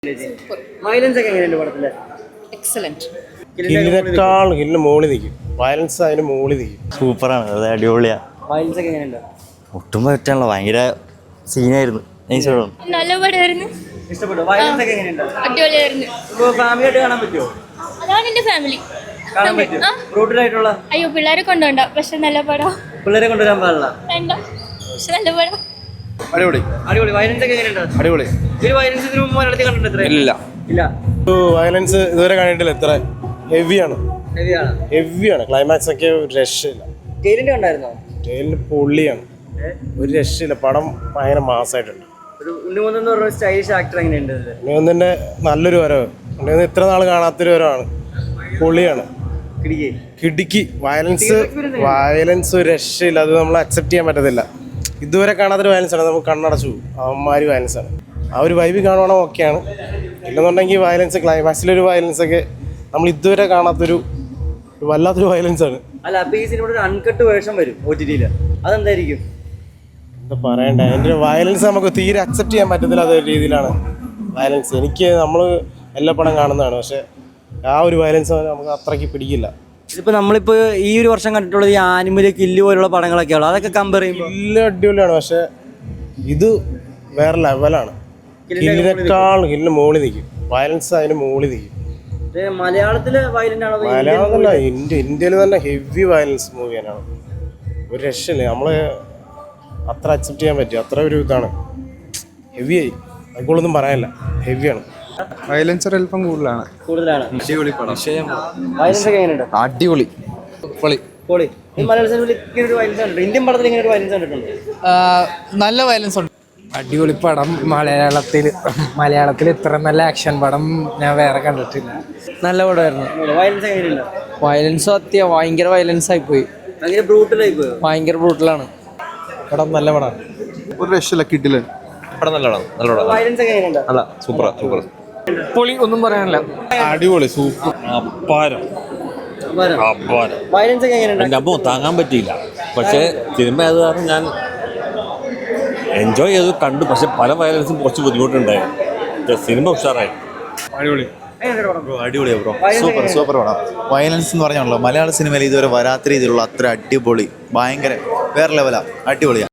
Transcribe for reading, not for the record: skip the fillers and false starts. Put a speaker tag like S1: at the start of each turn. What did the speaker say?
S1: Violence ഒക്കെ എങ്ങനെയുണ്ട് പടത്തില്?
S2: Excellent.
S3: ഹില്ലിനേക്കാൾ ഹില്ലിന് മുകളിൽ നിൽക്കും. വയലൻസ് അതിന് മുകളിൽ നിൽക്കും.
S4: സൂപ്പറാണ്, അത് അടിപൊളിയാ.
S1: വയലൻസ് ഒക്കെ എങ്ങനെയുണ്ട്?
S4: ഒട്ടും പറ്റാനുള്ള ഭയങ്കര സീനായിരുന്നു.
S2: നല്ല പടമായിരുന്നു.
S1: ഇഷ്ടപ്പെട്ടു. വയലൻസ് ഒക്കെ എങ്ങനെയുണ്ട്?
S2: അടിപൊളിയായിരുന്നു.
S1: ഇപ്പൊ ഫാമിലി ആയിട്ട് കാണാൻ പറ്റുമോ?
S2: അതാണ് എന്റെ ഫാമിലി.
S1: കാണാൻ പറ്റും. ബ്രൂട്ടൽ ആയിട്ടുള്ള
S2: അയ്യോ പിള്ളേരെ കൊണ്ടുപോണ്ട, പക്ഷെ നല്ല പടം.
S1: പിള്ളേരെ കൊണ്ടുവരാൻ പാടില്ല.
S2: വേണ്ട, പക്ഷെ നല്ല പടം.
S5: അടിപൊളി
S1: അടിപൊളി. വയലൻസ് ഒക്കെ എങ്ങനെയുണ്ട്?
S5: അടിപൊളി.
S1: ഈ വയലൻസ് ഇതിനു മുമ്പ് മലയാളത്തിൽ കണ്ടിട്ടുണ്ട്?
S5: ഇല്ല
S1: ഇല്ല.
S3: വയലൻസ് ഇതുവരെ കണ്ടിട്ടില്ല. എത്ര ഹെവിയാണ്,
S1: ഹെവിയാണ്.
S3: ഹെവിയാണ്. ക്ലൈമാക്സ് ഒക്കെ ഒരു രക്ഷയില്ല.
S1: ജയിലിന്റെ കണ്ടായിരുന്നോ?
S3: ജയിലിന് പൊള്ളിയാണ്, ഒരു രക്ഷയില്ല. പടം ഭയങ്കര മാസമായിട്ടുണ്ട്.
S1: ഒരു ഉണ്ണിമുതൽ എന്ന് പറഞ്ഞ സ്റ്റൈലിഷ് ആക്ടർ എങ്ങനെയുണ്ട്?
S3: ഉണ്ണിമുതലിന്റെ നല്ലൊരു വരവ്. ഉണ്ണിമുതൽ ഇത്ര നാൾ കാണാത്തൊരു വരവാണ്. പൊള്ളിയാണ്, കിടുക്കി. വയലൻസ് ഒരു രക്ഷയില്ല. അത് നമ്മൾ അക്സെപ്റ്റ് ചെയ്യാൻ പറ്റത്തില്ല. ഇതുവരെ കാണാത്തൊരു വയലൻസ് ആണ്. നമുക്ക് കണ്ണടച്ചു പോകും. അവന്മാര് വയലൻസ് ആണ്. ആ ഒരു വൈബ് കാണുവാണോ ഓക്കെയാണ്. ഇല്ലെന്നുണ്ടെങ്കിൽ വയലൻസ്, ക്ലൈമാക്സിലൊരു വയലൻസ് ഒക്കെ നമ്മൾ ഇതുവരെ കാണാത്തൊരു വല്ലാത്തൊരു വയലൻസ് ആണ്.
S1: അല്ല, അപ്പൊ ഈ സിനിമയുടെ ഒരു അൺകട്ട് വേർഷൻ വരും OTT-ല്. അതെന്തായിരിക്കും?
S3: എന്താ പറയണ്ടേ, അതിൻ്റെ വയലൻസ് നമുക്ക് തീരെ അക്സെപ്റ്റ് ചെയ്യാൻ പറ്റത്തില്ല. അതൊരു രീതിയിലാണ് വയലൻസ്. നമ്മൾ എല്ലാ പടം കാണുന്നതാണ്, പക്ഷെ ആ ഒരു വയലൻസ് നമുക്ക് അത്രയ്ക്ക് പിടിക്കില്ല.
S1: ഇതിപ്പോൾ നമ്മളിപ്പോൾ ഈ ഒരു വർഷം കണ്ടിട്ടുള്ളത് ഈ ആനിമൽ കില്ല് പോലുള്ള പടങ്ങളൊക്കെയാണ്. അതൊക്കെ കമ്പയർ ചെയ്യുമ്പോൾ
S3: കില്ല് അടിപൊളിയാണ്, പക്ഷെ ഇത് വേറെ ലെവലാണ്. ഹില്ലിനേക്കാൾ ഹില്ലിന് മുകളിൽ നിൽക്കും. വയലൻസ് അതിന് മുകളിൽ നിൽക്കും.
S1: മലയാളത്തില് വയലന്റ് ആണോ?
S3: മലയാളമല്ല, ഇന്ത്യയിൽ തന്നെ ഹെവി വയലൻസ് മൂവിയാണ്. ഒരു രക്ഷയില്ല. നമ്മൾ അത്ര അക്സെപ്റ്റ് ചെയ്യാൻ പറ്റും. അത്ര ഒരു ഇതാണ്, ഹെവിയായി. അതുകൊണ്ടൊന്നും പറയാനില്ല, ഹെവിയാണ്.
S5: വയലൻസ് അല്പം കൂടുതലാണ്.
S1: അടിപൊളി പടം. വയലൻസ് ഒക്കെ എങ്ങനെയുണ്ട്?
S5: അടിപൊളി.
S1: പൊളി. ഈ മലയാള സിനിമയിൽ ഇങ്ങനെ ഒരു വയലൻസ് കണ്ടിട്ടുണ്ട്? ഇന്ത്യൻ പടത്തിൽ ഇങ്ങനെ ഒരു വയലൻസ് കണ്ടിട്ടുണ്ട്?
S6: നല്ല വയലൻസ് ഉണ്ട്. അടിപൊളി പടം. മലയാളത്തിൽ ഇത്ര നല്ല ആക്ഷൻ പടം ഞാൻ വേറെ കണ്ടിട്ടില്ല. നല്ല പടമായിരുന്നു.
S1: വയലൻസ് എങ്ങനെയുണ്ട്?
S6: വയലൻസ് ഭയങ്കര വയലൻസ് ആയിപ്പോയി.
S1: ഭയങ്കര ബ്രൂട്ടലായി പോയോ?
S6: ഭയങ്കര ബ്രൂട്ടലാണ്.
S3: പടം നല്ല പടമാണ്.
S5: ഒരു രക്ഷയില്ല, കിട്ടില്ല.
S4: പടം നല്ല പടം.
S1: വയലൻസ് ഒക്കെ എങ്ങനെയുണ്ട്?
S4: അല്ല, സൂപ്പർ.
S6: പൊളി, ഒന്നും പറയാനില്ല.
S3: അടിപൊളി, സൂപ്പർ.
S1: വയലൻസ് ഒക്കെ എങ്ങനെയുണ്ട്?
S7: എൻ്റെ അമ്മ താങ്ങാൻ പറ്റിയില്ല. പക്ഷേ സിനിമ അത് കാരണം ഞാൻ എൻജോയ് ചെയ്ത് കണ്ടു. പക്ഷെ പല വയലൻസും കുറച്ച് ബുദ്ധിമുട്ടുണ്ടായിരുന്നു. സിനിമ ഉഷാറായി.
S4: അടിപൊളിയാ ബ്രോ. സൂപ്പർ പടം. വയലൻസ് എന്ന് പറഞ്ഞാണല്ലോ മലയാള സിനിമയിൽ ഇതുവരെ വരാത്ത രീതിയിലുള്ള അത്ര അടിപൊളി, ഭയങ്കര വേറെ ലെവലാ. അടിപൊളിയാ.